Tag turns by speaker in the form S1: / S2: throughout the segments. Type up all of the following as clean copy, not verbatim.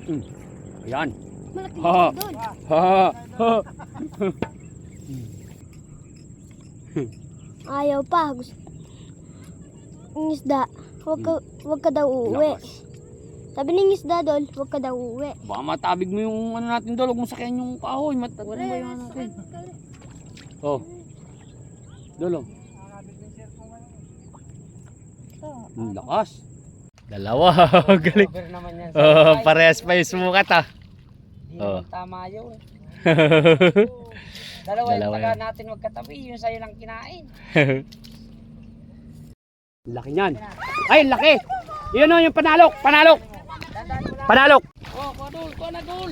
S1: Ayan.
S2: Malaki
S1: Ha.
S2: doon.
S1: Ha. Ha.
S2: Ayaw pa. Gusto. Ang isda. Huwag ka daw uuwi.
S1: Lakas.
S2: Sabi ng isda doon, huwag ka daw uuwi.
S1: Baka matabig mo yung ano natin doon. Huwag mo sakyan yung kahoy. Matabig mo yung ano natin. Oh. Dolong. Ang lakas. Dalawa. Galing.
S3: Over naman yan.
S1: Oh, parehas pa yung sumukat ah.
S3: Hindi
S1: Oh.
S3: naman tama yun. Dalawa yung
S1: Dalawa
S3: taga
S1: yan.
S3: natin magkatabi. Yung sa'yo lang kinain.
S1: Laki niyan. Ay, laki. Yun o, yung panalok. Panalok. Panalok.
S3: Oh, kuha na goal.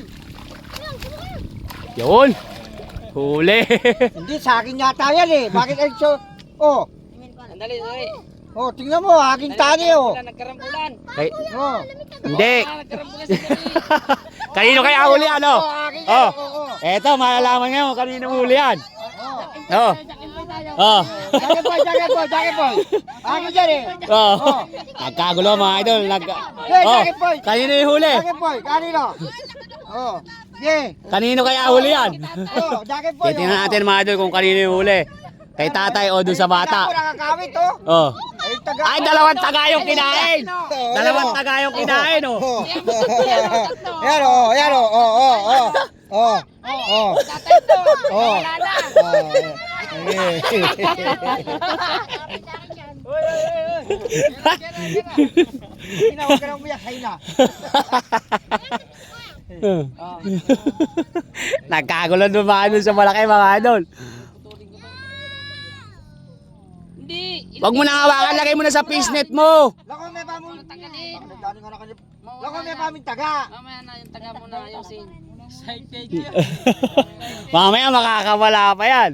S1: Yun. Huli.
S4: Hindi, sa akin yata yan eh. Bakit ay so? Oh,
S3: Sandali, sandali.
S4: oh, tingnan mo, aking tali oh.
S3: Nagkarambulan.
S1: Ay,
S4: Oh,
S1: hindi.
S3: Nagkarambulan sa gabi.
S1: Kanino kaya huli ano?
S4: aking
S1: Oh.
S4: oh.
S1: Eto, malalaman ngayon kanino huli yan.
S4: Oh.
S1: Oh. Oh.
S4: Jacket boy. Akin dyan eh.
S1: Oh.
S4: Oh.
S1: Nagkagulo mga idol.
S4: Hey,
S1: Oh.
S4: jacket boy.
S1: Kanino yung huli?
S4: Jacket boy, kanino? Oh, yeah.
S1: Kanino kaya huli yan?
S4: Oh, jacket boy.
S1: Titingnan natin mga idol kung kanino yung huli. Kay tatay o dun sa bata.
S4: Ako nakakawit oh.
S1: Oh.
S4: Ay, taga.
S1: Ay, dalawang taga yung kinain. Dalawang taga yung kinain, oh.
S4: Oh. Yan oh, yan oh. Oh, oh, oh. Oh. Oh. Oh. Huwag ka nang umiyak, hay na.
S1: Nagkagulo doon mga idol sa malaki mga idol.
S3: Hindi.
S1: Wag mo nang hawakan, lagay mo na sa fishnet mo.
S4: Lako may pamun.
S3: Tanggalin.
S4: Lako may pamin taga.
S3: Mamaya na yung taga mo na yung side page.
S1: Mamaya makakawala pa yan.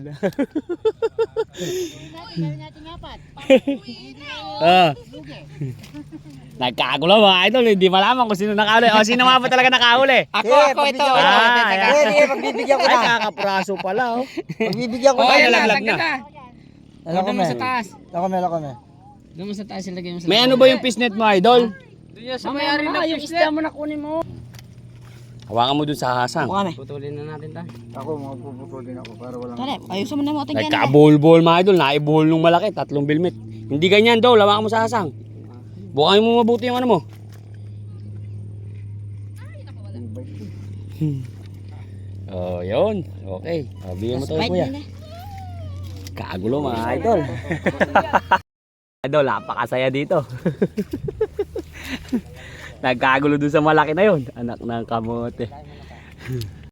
S1: Ah. Nagkagulo mga idol, hindi malaman kung sino nakahuli. O sino nga ba talaga nakahuli?
S3: Ako ito.
S1: Ah,
S4: Sige, pagbibigyan ko
S1: Ay,
S4: na.
S1: kakapraso pala, oh.
S4: Pagbibigyan ko
S3: Oh,
S4: na.
S3: yan lang,
S1: nalaglag
S3: tanggal
S1: na.
S3: na. Doon mo sa taas.
S4: Lako me.
S3: Doon mo sa taas ilagay mo sa
S1: May ano ba yung fishnet mo, idol?
S3: Doon sa may-ari na yung isda mo na kunin mo.
S1: Hawakan mo dun sa hasang.
S3: Putulin na natin ta.
S4: Ako, magpuputol din ako para walang...
S2: Tara, ayusin mo na mo ating ganyan.
S1: Nagka-bol-bol mga idol, naibuhol nung malaki, 3 bilmit. Hindi ganyan daw, hawakan mo sa hasang. Bukain mo mabuti yung ano mo. Oh, yun. Okay. O, bigyan mo to kuya. Kagulo mga idol. Idol, napakasaya dito. Nagkagulo dun sa malaki na yun. Anak ng kamote.